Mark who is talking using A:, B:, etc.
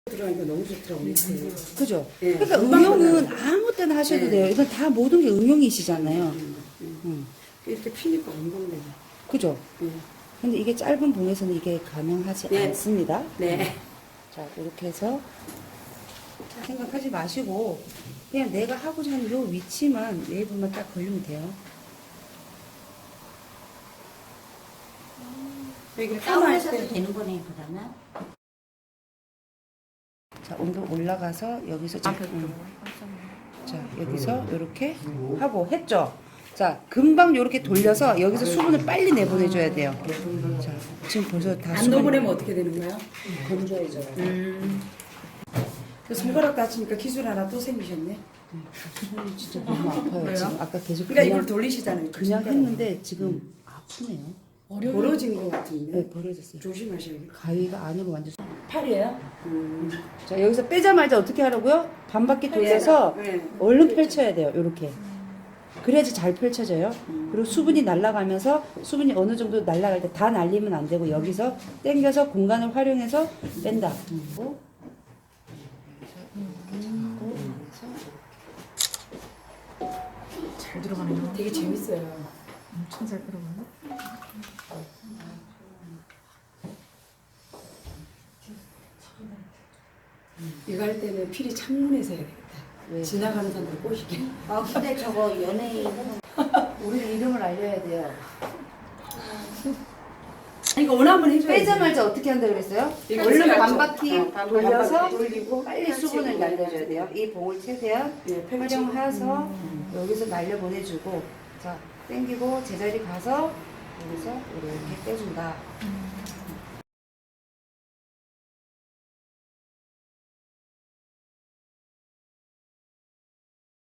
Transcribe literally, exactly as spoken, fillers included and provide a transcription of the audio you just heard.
A: 들어가니까 너무 좋더라고요. 음.
B: 그죠?
A: 예,
B: 그러니까
A: 금방
B: 응용은
A: 끝나요.
B: 아무 때나 하셔도
A: 예.
B: 돼요. 이건 다 모든 게 응용이시잖아요.
A: 음, 음.
B: 음.
A: 이렇게 피니까 금방 되네.
B: 그죠?
A: 예.
B: 근데 이게 짧은 봉에서는 이게 가능하지
A: 네.
B: 않습니다.
A: 네.
B: 자, 이렇게 해서 생각하지 마시고 그냥 내가 하고자 하는 요 위치만 웨이브만 딱 걸리면 돼요.
A: 여기
C: 다운해서도
A: 때
C: 되는 거네, 그러면.
B: 자, 온도 올라가서 여기서 자, 음. 자 여기서 이렇게 하고 했죠. 자, 금방 이렇게 돌려서 여기서 수분을 빨리 내보내줘야 돼요. 자, 지금 벌써 다
A: 안
B: 수분이
A: 녹으려면 어떻게 되는 거야?
B: 건조해져요.
A: 음. 그 손가락 다치니까 기술 하나 또 생기셨네.
B: 손이 진짜 너무 아파요.
A: 왜요?
B: 지금 아까 계속
A: 그러니까
B: 그냥,
A: 이걸 돌리시잖아요.
B: 그냥 했는데 지금 아프네요.
A: 벌어진 것 같은데.
B: 네, 벌어졌어요.
A: 조심하셔야겠다.
B: 가위가 안으로 완전.
A: 팔이에요? 음.
B: 자, 여기서 빼자마자 어떻게 하라고요? 반바퀴 돌려서
A: 네.
B: 얼른 펼쳐야 돼요. 이렇게. 그래야지 잘 펼쳐져요. 그리고 수분이 날아가면서 수분이 어느 정도 날아갈 때 다 날리면 안 되고 여기서 당겨서 공간을 활용해서 뺀다. 그리고
D: 잘 들어가네요.
A: 되게 재밌어요.
D: 엄청 잘 들어가네.
A: 이거 할 때는 필히 창문에서 해야 되겠다.
B: 왜?
A: 지나가는 사람들 꼬시게.
C: 아, 근데 저거 연예인.
B: 우리 이름을 알려야 돼요.
A: 이거 오늘 한번 해줘야
B: 빼자마자 어떻게 한다 그랬어요?
A: 이거
B: 얼른
A: 펼쳐야죠.
B: 반바퀴
A: 어, 반-
B: 돌려서
A: 반바퀴 돌리고
B: 빨리
A: 펼치고.
B: 수분을 날려줘야 돼요. 이 봉을 최대한
A: 네, 펼치고.
B: 활용해서 여기서 날려 보내주고 자 당기고 제자리 가서 여기서 이렇게 빼준다.